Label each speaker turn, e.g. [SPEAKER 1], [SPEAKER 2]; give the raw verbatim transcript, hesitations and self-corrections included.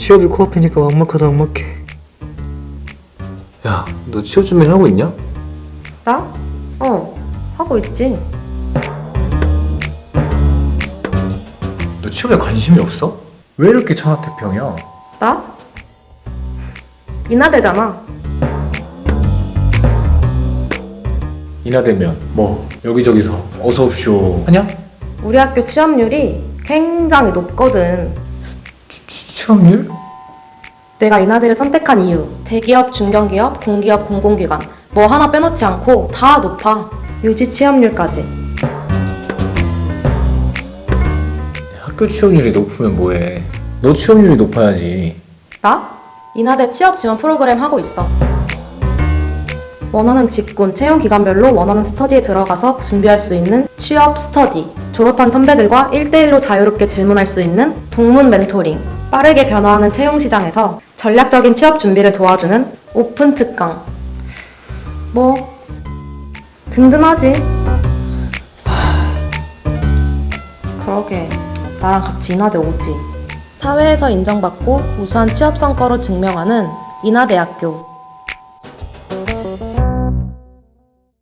[SPEAKER 1] 취업이 코앞이니까 막막하다 막막해. 야, 너 취업 준비 하고 있냐?
[SPEAKER 2] 나? 어, 하고 있지.
[SPEAKER 1] 너 취업에 관심이 없어? 왜 이렇게 천하태평이야?
[SPEAKER 2] 나? 인하대잖아.
[SPEAKER 1] 인하대면 뭐 여기저기서 어서 옵쇼 하냐?
[SPEAKER 2] 우리 학교 취업률이 굉장히 높거든.
[SPEAKER 1] 취, 취, 취업률?
[SPEAKER 2] 내가 인하대를 선택한 이유, 대기업, 중견기업, 공기업, 공공기관 뭐 하나 빼놓지 않고 다 높아. 유지 취업률까지.
[SPEAKER 1] 학교 취업률이 높으면 뭐해? 너 취업률이 높아야지.
[SPEAKER 2] 나? 인하대 취업 지원 프로그램 하고 있어. 원하는 직군, 채용 기간별로 원하는 스터디에 들어가서 준비할 수 있는 취업 스터디, 졸업한 선배들과 일 대일로 자유롭게 질문할 수 있는 동문 멘토링, 빠르게 변화하는 채용 시장에서 전략적인 취업 준비를 도와주는 오픈 특강. 뭐 든든하지. 그러게 나랑 같이 인하대 오지. 사회에서 인정받고 우수한 취업 성과로 증명하는 인하대학교.